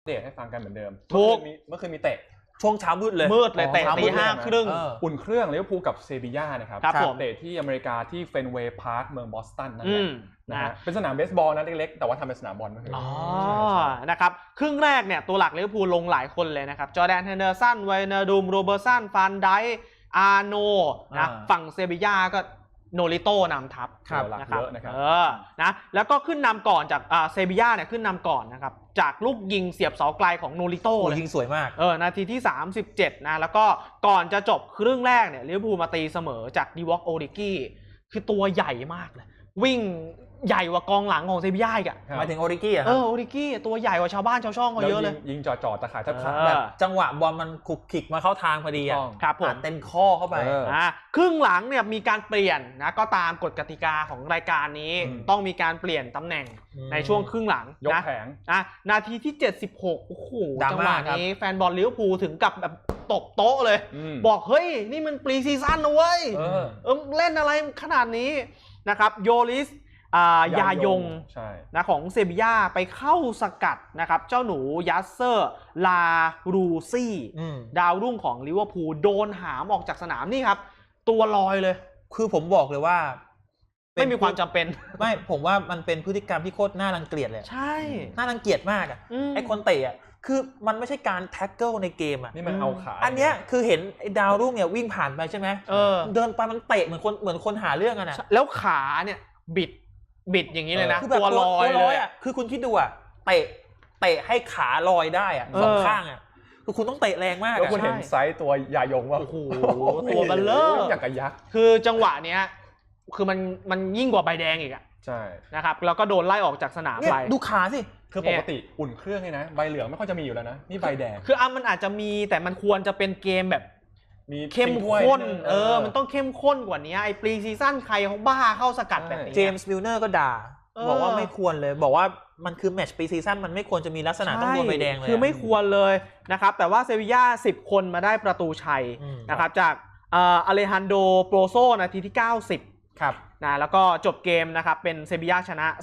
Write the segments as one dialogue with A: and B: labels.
A: เดตให้ฟังกันเหมือนเดิมเมื่อคืนมีเตะ
B: ช่วงเช้ามืดเลย
C: เตะตี 5:30
A: อุ่นเครื่องลิเวอร์พูลกับเซบีย่านะครับเตะที่อเมริกาที่เฟนเวย์พาร์คเมืองบอสตันนั่นแหละนะฮะเป็นสนามเบสบอลนะเล็กๆแต่ว่าทำเป็นสนามบอล
C: นะครับครึ่งแรกเนี่ยตัวหลักลิเวอร์พูลลงหลายคนเลยนะครับจอร์แดน เฮนเดอร์สัน ไวเนอร์ดูม โรเบอร์สัน ฟานไดค์ อาร์โนนะฝั่งเซบีย่าก็โนริโต้นำทัพนะครับนะแล้วก็ขึ้นนำก่อนจากเซบีย่าเนี่ยขึ้นนำก่อนนะครับจากลูกยิงเสียบเสาไกลของโนริโต้เลย
B: ยิงสวยมาก
C: นาทีที่37นะแล้วก็ก่อนจะจบครึ่งแรกเนี่ยลิเวอร์พูลมาตีเสมอจากดีวอคโอริกี้คือตัวใหญ่มากเลยวิ่งใหญ่กว่ากองหลังของเซบีย่าอีก
B: หมายถึงโอริกี้
C: โอริกี้ตัวใหญ่กว่าชาวบ้านชาวช่องเขาเยอะเลย
A: ยิงจ่อตะข่ายทับขา
B: แบบจังหวะบอลมันขุกขิกมาเข้าทางพอดี
C: ครับผม
B: เต็มข้อเข้าไป
C: ครึ่งหลังเนี่ยมีการเปลี่ยนนะก็ตามกฎกติกาของรายการนี้ต้องมีการเปลี่ยนตำแหน่งในช่วงครึ่งหลัง
A: ยกแผง
C: นาทีที่76โอ้โหจังหวะนี้แฟนบอลลิเวอร์พูลถึงกับแบบตบโต๊ะเลยบอกเฮ้ยนี่มันปรีซีซั่นนะเว้ยเล่นอะไรขนาดนี้นะครับโยลิสยายงนะของเซบีย่าไปเข้าสกัดนะครับเจ้าหนูยัสเซอร์ลารูซี่ดาวรุ่งของลิเวอร์พูลโดนหามออกจากสนามนี่ครับตัวลอยเลย
B: คือผมบอกเลยว่า
C: ไม่มีความจำเป็น
B: ไม่ผมว่ามันเป็นพฤติกรรมที่โคตรน่ารังเกียจเลย
C: ใช่
B: น่ารังเกียจมากไอ้คนเตะคือมันไม่ใช่การแท็กเกิลในเกม
A: นี่มันเอาขา
B: อันเนี้ยคือเห็นไอ้ดาวรุ่งเนี่ยวิ่งผ่านไปใช่ไหมเดินไปมันเตะเหมือนคนหาเรื่องกันนะ
C: แล้วขาเนี่ยบิดอย่างนี้เลยนะ
B: ตัวลอยเลยคือคุณคิดดูเตะให้ขาลอยได้สองข้างคือคุณต้องเตะแรงมาก
A: แล้วคุณเห็นไซส์ตัวยายงว่า
C: โอ้โหตัวเบลเลอร์
A: อย่างกับยักษ์
C: คือจังหวะเนี้ยคือมันยิ่งกว่าใบแดงอีก
A: ใช่
C: นะครับแล้วก็โดนไล่ออกจากสนามไป
B: ดูขาสิ
A: คือปกติอุ่นเครื่องเลยนะใบเหลืองไม่ค่อยจะมีอยู่แล้วนะนี่ใบแดง
C: คือมันอาจจะมีแต่มันควรจะเป็นเกมแบบมีเข้มข้นมันต้องเข้มข้นกว่านี้ไอ้ปรีซีซั่นใครเขาบ้าเข้าสกัดแบบนี้
B: เจมส์มิลเนอร์ก็ด่าบอกว่าไม่ควรเลยบอกว่ามันคือแมตช์ปรีซีซั่นมันไม่ควรจะมีลักษณะต้องโดนใบแดงเลย
C: คือไม่ควรเลยนะครับแต่ว่าเซบีย่า10คนมาได้ประตูชัยนะครับจากอเลฮันโดโปรโซนาทีที่90
B: ครับ
C: นะแล้วก็จบเกมนะครับเป็นเซบีย่าชนะ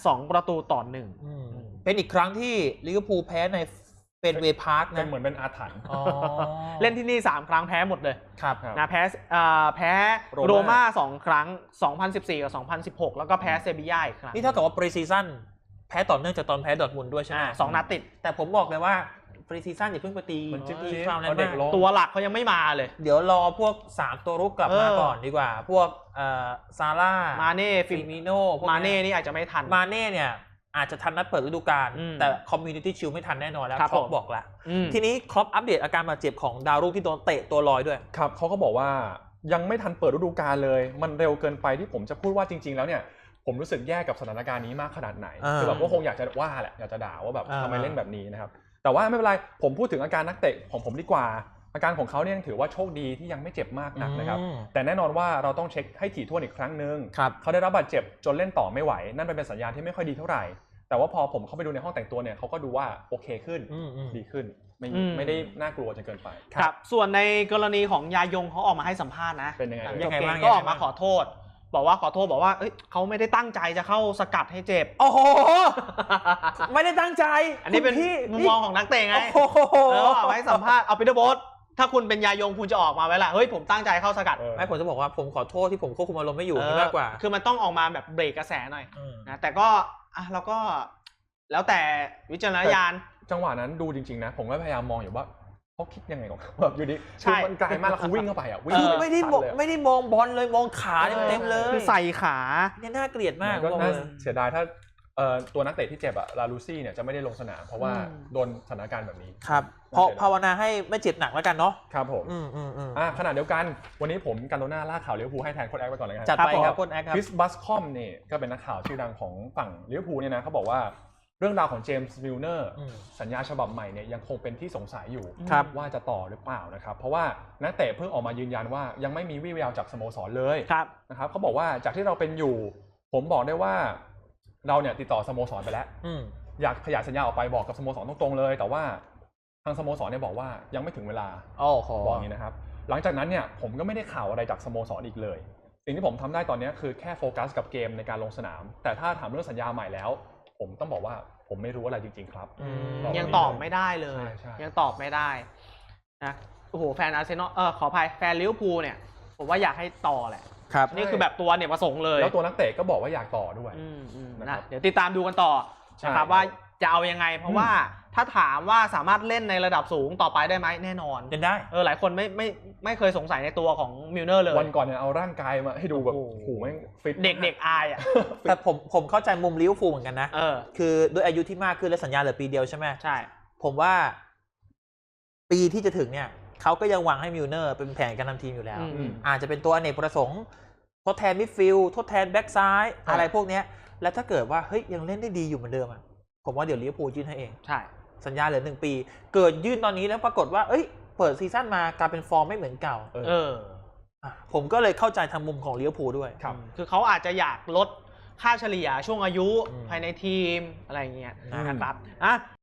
C: 2-1
B: เป็นอีกครั้งที่ลิเวอร์พูลแพ้ในเฟนเวย์พาร์คนะ
A: เหมือนเป็นอาถรรพ์
C: เล่นที่นี่3ครั้งแพ้หมดเลย
B: ครับ
C: นะแพ้โรม่า2ครั้ง2014กับ2016แล้วก็แพ้เซบีย่าอีกครั้ง
B: นี่เท่ากับว่าปรีซีซั่นแพ้ต่อเนื่องจากตอนแพ้ดอร์ทมุนด์ด้วยใช่ไหม
C: 2 นัดติด
B: แต่ผมบอกเลยว่าปรีซีซั่นอย่าเพิ่งไปตีฟาวล์แรก
C: ตัวหลักเขายังไม่มาเลย
B: เดี๋ยวรอพวก3ตัวรุกกลับมาก่อนดีกว่าพวกซาร่า
C: มาเน่
B: ฟิมิโน่
C: มาเน่นี่อาจจะไม่ทัน
B: มาเน่เนี่ยอาจจะทันนัดเปิดฤดูกาลแต่คอมมูนิตี้ชิลไม่ทันแน่นอนแล้วครอปบอกแล้วทีนี้ครอปอัปเดตอาการบาดเจ็บของดาวรุ่งที่โดนเตะตัวลอยด้วย
A: ครับเขาก็บอกว่ายังไม่ทันเปิดฤดูกาลเลยมันเร็วเกินไปที่ผมจะพูดว่าจริงๆแล้วเนี่ยผมรู้สึกแย่กับสถานการณ์นี้มากขนาดไหนคือแบบว่าคงอยากจะว่าแหละอยากจะด่าว่าแบบทำไมเล่นแบบนี้นะครับแต่ว่าไม่เป็นไรผมพูดถึงอาการนักเตะของผมดีกว่าอาการของเขาเนี่ยถือว่าโชคดีที่ยังไม่เจ็บมากนักนะครับแต่แน่นอนว่าเราต้องเช็คให้ถี่ถ้วนอีกครั้งนึงเขาได้รับบาดเจ็บจนเล่นต่อไม่ไหวนั่นเป็นสัญญาณที่ไม่ค่อยดีเท่าไหร่แต่ว่าพอผมเข้าไปดูในห้องแต่งตัวเนี่ยเขาก็ดูว่าโอเคขึ้นดีขึ้นไม่ได้น่ากลัวจนเกินไป
C: ครับส่วนในกรณีของยายงเขาออกมาให้สัมภาษณ์นะ
A: เป็นยังไง
C: บ้างก็ออกมาขอโทษบอกว่าเขาไม่ได้ตั้งใจจะเข้าสกัดให้เจ็บ
B: โอ้โหไม่ได้ตั้งใจ
C: อันนี้เป็นมุมมองของนักเตะไงแล้วเอาไว้สัมภาษณ์เอาปีเตอร์โบ๊ทถ้าคุณเป็นยายงคุณจะออกมาไว้ละเฮ้ยผมตั้งใจเข้าสกัด
B: ไม่ผมจะบอกว่าผมขอโทษที่ผมควบคุมอารมณ์ไม่อยู่มากกว่า
C: คือมันต้องออกมาแบบเบรกกระแสหน่อยนะแต่ก็เราก็แล้วแต่วิจารณญาณ
A: จังหวะนั้นดูจริงๆนะผมก็พยายามมองอยู่ว่าเขาคิดยังไงของเขาแบบอยู่ดีคือมันไกลมากแล้วเขาวิ่งเข้าไปวิ่ง
B: ไม่ได้มองบอลเลยมองขาเต็มเลย
C: คือใส่ขา
B: เนี่ยน่าเกลียดมาก
A: ก็น่าเสียดายถ้าตัวนักเตะที่เจ็บลาลูซี่เนี่ยจะไม่ได้ลงสนามเพราะว่าโดนสถานการณ์แบบนี้
B: ครับเพราะภาวนาให้ไม่เจ็บหนักแล้วกันเนาะ
A: ครับผมขณะเดียวกันวันนี้ผมกันโดน่าล่าข่าวลิเวอร์พูลให้แทนโค้ชแอคไปก่อนเลย
B: จัดไปครับโค้ชแอคครับ
A: คริสบัสคอมเนี่ยก็เป็นนักข่าวชื่อดังของฝั่งลิเวอร์พูลเนี่ยนะเขาบอกว่าเรื่องราวของเจมส์มิลเนอร์สัญญาฉบับใหม่เนี่ยยังคงเป็นที่สงสัยอยู่ว่าจะต่อหรือเปล่านะครับเพราะว่านักเตะเพิ่งออกมายืนยันว่ายังไม่มีวี่แววจากสโมสรเลยนะครับเขาบอกว่าจากที่เราเป็นอยู่ผมบอกได้ว่าเราเนี่ยติดต่อสโมสรไปแล้วอยากขยายสัญญาออกไปบอกกับสโมสรตรงๆเลยแต่ว่าทางสโมสรเนี่ยบอกว่ายังไม่ถึงเวลาบอกอย่างนี้นะครับหลังจากนั้นเนี่ยผมก็ไม่ได้ข่าวอะไรจากสโมสรอีกเลยสิ่งที่ผมทำได้ตอนนี้คือแค่โฟกัสกับเกมในการลงสนามแต่ถ้าถามเรื่องสัญญาใหม่แล้วผมต้องบอกว่าผมไม่รู้อะไรจริงๆครับ
C: ยังตอบไม่ได้เลย
A: ใช่
C: ยังตอบไม่ได้นะโอ้โหแฟนอาร์เซนอลขออภัยแฟนลิเวอร์พูลเนี่ยผมว่าอยากให้ต่อแหละ
B: ครับ
C: นี่คือแบบตัวเนี่ยประสงค์เลย
A: แล้วตัวนักเตะก็บอกว่าอยากต่อด้วย
C: นะ
A: นะครับ
C: เดี๋ยวติดตามดูกันต่อนะครับว่าจะเอายังไง เพราะว่าถ้าถามว่าสามารถเล่นในระดับสูงต่อไปได้ไหมแน่นอน
B: เล่นได้
C: หลายคนไม่เคยสงสัยในตัวของมิลเนอร์เลย
A: วันก่อนเนี่ยเอาร่างกายมาให้ดูแบบ
C: โอ้โห
A: โอ้โหแม่งฟิต
C: เด็กๆอายอ่ะ
B: แต่ผมเข้าใจมุมลิเวอร์พูลเหมือนกันนะ
C: เออ
B: คือด้วยอายุที่มากขึ้นและสัญญาเหลือปีเดียวใช่ไหม
C: ใช่
B: ผมว่าปีที่จะถึงเนี่ยเขาก็ยังหวังให้มิลเนอร์เป็นแผนการทำทีมอยู่แล้ว อาจจะเป็นตัวอเนกประสงค์ทดแทนมิดฟิลด์ทดแทนแบ็กซ้ายอะไรพวกเนี้ยแล้วถ้าเกิดว่าเฮ้ยยังเล่นได้ดีอยู่เหมือนเดิมอ่ะผมว่าเดี๋ยวลิเวอร์พูลยื่นให้เอง
C: ใช่
B: สัญญาเหลือ1 ปี เกิดยื่นตอนนี้แล้วปรากฏว่าเอ้ยเปิดซีซั่นมากลายเป็นฟอร์มไม่เหมือนเก่า ผมก็เลยเข้าใจทางมุมของลิเวอร์พูลด้วย
A: ครับ
C: คือเขาอาจจะอยากลดค่าเฉลี่ยช่วงอายุ
B: อืม
C: ภายในทีมอะไรอย่างเงี้ย
B: อืม
C: นะครับ